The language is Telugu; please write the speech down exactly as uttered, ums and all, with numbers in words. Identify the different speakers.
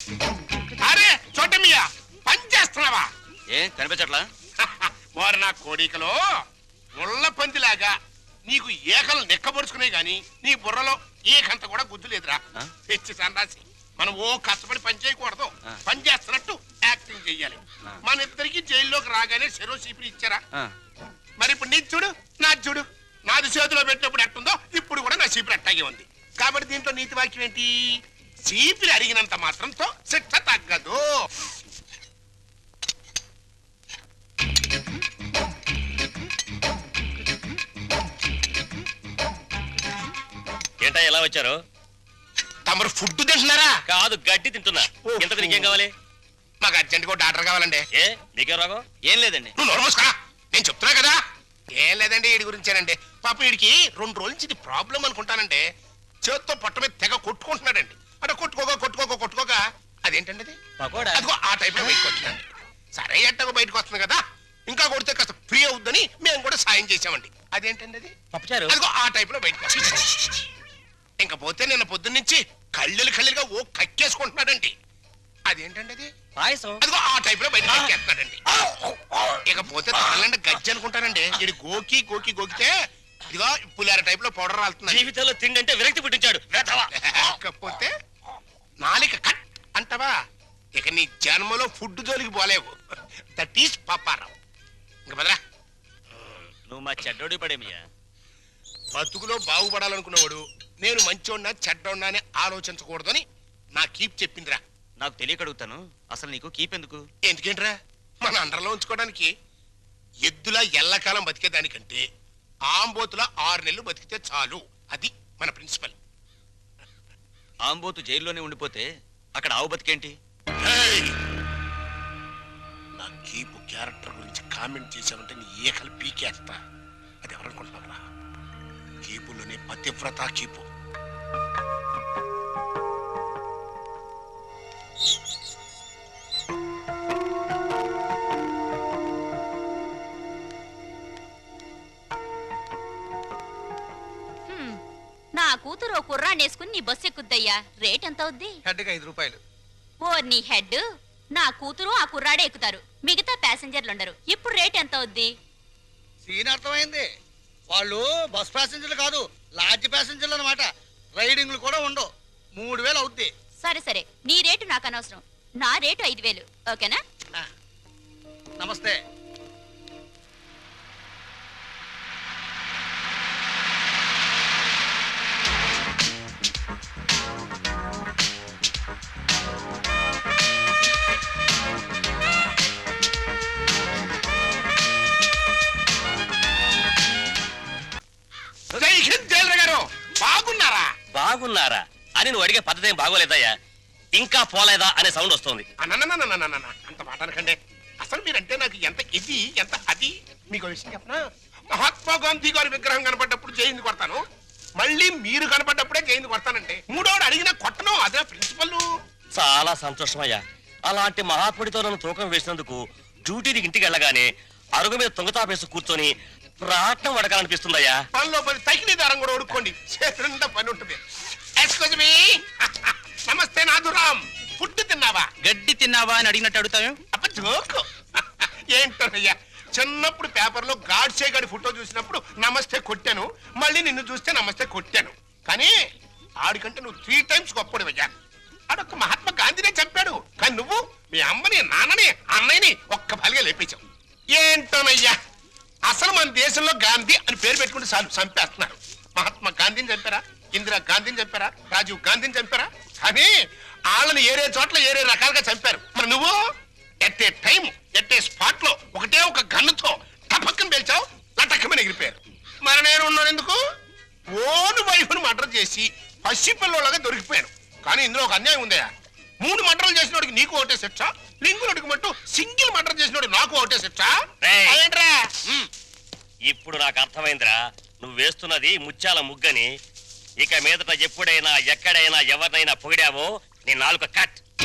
Speaker 1: అరే చోటమియా పని చేస్తున్నావా?
Speaker 2: ఏం కనిపించట్లా?
Speaker 1: వారు నా కోడికలో ముళ్ళ పందిలాగా నీకు ఏకలు నెక్కబరుచుకునే గాని నీ బుర్రలో ఏకంత కూడా గుద్దు లేదురా. తెచ్చి సంరాసి మనం ఓ కష్టపడి పని చేయకూడదు, పని చేస్తున్నట్టు యాక్టింగ్ చెయ్యాలి. మన ఇద్దరికి జైల్లోకి రాగానే చెరో సీపీలు ఇచ్చారా? మరి ఇప్పుడు నీ చూడు నా చూడు, నాది చేతిలో పెట్టినప్పుడు ఎట్టుందో ఇప్పుడు కూడా నా సీపీలు అట్టాగే ఉంది. కాబట్టి దీంట్లో నీతి వాక్యం ఏంటి? సీపీలు అడిగినంత మాత్రంతో శిక్ష తగ్గదు.
Speaker 2: ఏంటా ఎలా వచ్చారు?
Speaker 1: తమరు ఫుడ్ తింటున్నారా?
Speaker 2: కాదు, గడ్డి తింటున్నా. ఇంతకు నీకేం కావాలి?
Speaker 1: మాకు అర్జెంట్ గా డాక్టర్ కావాలండి.
Speaker 2: ఏ నీకే రోగం? ఏం లేదండి.
Speaker 1: నువ్వు నోరు మూసుకురా, నేను చెప్తున్నా కదా. ఏం లేదండి, వీడి గురించేనండి. పాప వీడికి రెండు రోజుల నుంచి ఇది ప్రాబ్లం అనుకుంటానండి. చేత్తో పొట్ట మీద తెగ కొట్టుకుంటున్నాడండి. అంటే కొట్టుకోగా కొట్టుకోగా కొట్టుకోగా అదేంటండి అది అదిగో ఆ టైప్ లో బయటకు వచ్చిందండి. సరే ఎట్టగా బయటకు వస్తుంది కదా, ఇంకా కొడితే కాస్త ఫ్రీ అవుద్దని మేము కూడా సాయం చేసామండి. అదేంటండి అది అదిగో ఆ టైప్ లో బయటకు వచ్చింది. ఇంకా పోతే నిన్న పొద్దున్న నుంచి కళ్ళెలు కళ్ళెలుగా ఓ కక్కేసుకుంటున్నాడండి. అదేంటండి అది
Speaker 2: పాయసం
Speaker 1: అదిగో ఆ టైప్ లో బయట కక్కేస్తున్నాడండి. ఇకపోతే తాళ్ళంటే గజ్జి అనుకుంటానండి. ఇది గోకి గోకి గోకితే ఇదిగో పులిహార టైప్ లో పౌడర్ రాలుతుంది.
Speaker 2: జీవితంలో తిండి అంటే విరక్తి పుట్టించాడు.
Speaker 1: లేకపోతే నాలిక కట్ అంటావా? ఇక నీ జన్మలో ఫుడ్ జోలికి పోలేవు. That is Paparao. ఇంక బదరా,
Speaker 2: నువ్వు మా చెడ్డోడి పడేమియా.
Speaker 1: బతుకులో బాగుపడాలనుకున్నవాడు నేను మంచోడ్నా చెడ్డోడ్నా అని ఆలోచించకూడదని నా కీప్ చెప్పిందిరా.
Speaker 2: నాకు తెలియక అడుగుతాను, అసలు నీకు కీప్ ఎందుకు?
Speaker 1: ఎందుకేంట్రా, మన అండర్లో ఉంచుకోవడానికి. ఎద్దులా ఎల్లకాలం బతికేదానికంటే ఆంబోతులా ఆరు నెలలు బతికితే చాలు. అది మన ప్రిన్సిపల్.
Speaker 2: ఆంబోతు జైల్లోనే ఉండిపోతే అక్కడ ఆవు బతికేంటి?
Speaker 1: నా కీపు క్యారెక్టర్ గురించి కామెంట్ చేసావంటే నీ ఏకలు పీకేస్తా. అది ఎవరనుకుంటున్నారా? కీపులోనే పతివ్రత కీపు.
Speaker 3: నా కూతురు ఓ కుర్రాన్ని వేసుకుని నీ బస్సు ఎక్కుద్దయ్యా. రేట్ ఎంత అవుద్ది?
Speaker 4: హెడ్కి ఐదు రూపాయలు.
Speaker 3: ఓ నీ హెడ్, నా కూతురు ఆ కుర్రాడే ఎక్కుతారు, మిగతా ప్యాసింజర్లు ఉండరు. ఇప్పుడు రేట్ ఎంత అవుద్ది?
Speaker 4: సీన్ అర్థమైంది. వాళ్ళు బస్ ప్యాసింజర్లు కాదు, లాడ్జ్ ప్యాసింజర్లు అనమాట. రైడింగ్లు కూడా ఉండవు. మూడు వేలు అవుద్ది.
Speaker 3: సరే సరే, నీ రేటు నాకు అనవసరం. నా రేటు ఐదు వేలు ఓకేనా?
Speaker 4: నమస్తే.
Speaker 1: బాగున్నారా?
Speaker 2: బాగున్నారా అని నువ్వు అడిగే పద్ధతి ఏం బాగోలేదయ్యా. ఇంకా పోలేదా అనే సౌండ్ వస్తుంది.
Speaker 1: అంత మాట అనకండి. అసలు మీరంటే నాకు ఎంత ఇది ఎంత అది. మీకు విషయం చెప్పనా? మహాత్మా గాంధీ గారి విగ్రహం కనపడ్డప్పుడు జైలు కొడతాను, మళ్ళీ మీరు కనపడ్డప్పుడే జైలు కొడతానంటే మూడోడు అడిగినా కొట్టను. అదే ప్రిన్సిపల్.
Speaker 2: చాలా సంతోషమయ్యా. అలాంటి మహాత్ముడితో నన్ను తూకం వేసినందుకు డ్యూటీకి ఇంటికి వెళ్ళగానే అరుగు మీద తొంగతాపేసి కూర్చొని ప్రాణం వడకాలనిపిస్తుందయ్యా.
Speaker 1: పనిలో పని తగిలి దారం కూడా ఉడుకోండి, చేతులంతా పని ఉంటుంది. Excuse me. నమస్తే నాథురామ్. ఫుడ్ తిన్నావా?
Speaker 4: గడ్డి తిన్నావా అని అడిగినట్టు అడుగుతావు.
Speaker 1: అప్ప జోకు. ఏంటోనయ్యా, చిన్నప్పుడు పేపర్లో గాడ్సే గారి ఫోటో చూసినప్పుడు నమస్తే కొట్టాను, మళ్ళీ నిన్ను చూస్తే నమస్తే కొట్టాను. కానీ ఆడికంటే నువ్వు త్రీ టైమ్స్ గొప్పడివయ్యా. ఆడొక్క మహాత్మా గాంధీనే చంపాడు, కానీ నువ్వు మీ అమ్మని నాన్నని అన్నయ్యని ఒక్క బలిగా లేపేశావు. ఏంటోనయ్యా, అసలు మన దేశంలో గాంధీ అని పేరు పెట్టుకుంటే చాలు చంపేస్తున్నారు. మహాత్మా గాంధీని చంపారా? ఇందిరా గాంధీని చంపారా? రాజీవ్ గాంధీని చంపారా? కానీ వాళ్ళని ఏరే చోట్ల ఏరే రకాలుగా చంపారు. మరి నువ్వు at a time at a spot లో ఒకటే ఒక గన్నుతో టపక్కన పేల్చావు, లటక్కమని ఎగిరిపోయారు. మరి నేను ఉన్నాను ఎందుకు? ఓను వైఫ్ను మర్డర్ చేసి పసిపిల్లలాగా దొరికిపోయాను. కానీ ఇందులో ఒక అన్యాయం ఉందయా. మూడు మర్డర్లు చేసినోడికి నీకు ఒకటే శిక్ష, లింగులకి మట్టు సింగిల్ మర్డర్ చేసినోడు నాకు ఒకటే శిక్ష.
Speaker 2: ఇప్పుడు నాకు అర్థమైందిరా, నువ్వు వేస్తున్నది ముత్యాల ముగ్గని. ఇక మీదట ఎప్పుడైనా ఎక్కడైనా ఎవరినైనా పొగిడావో నీ నాలుక కట్.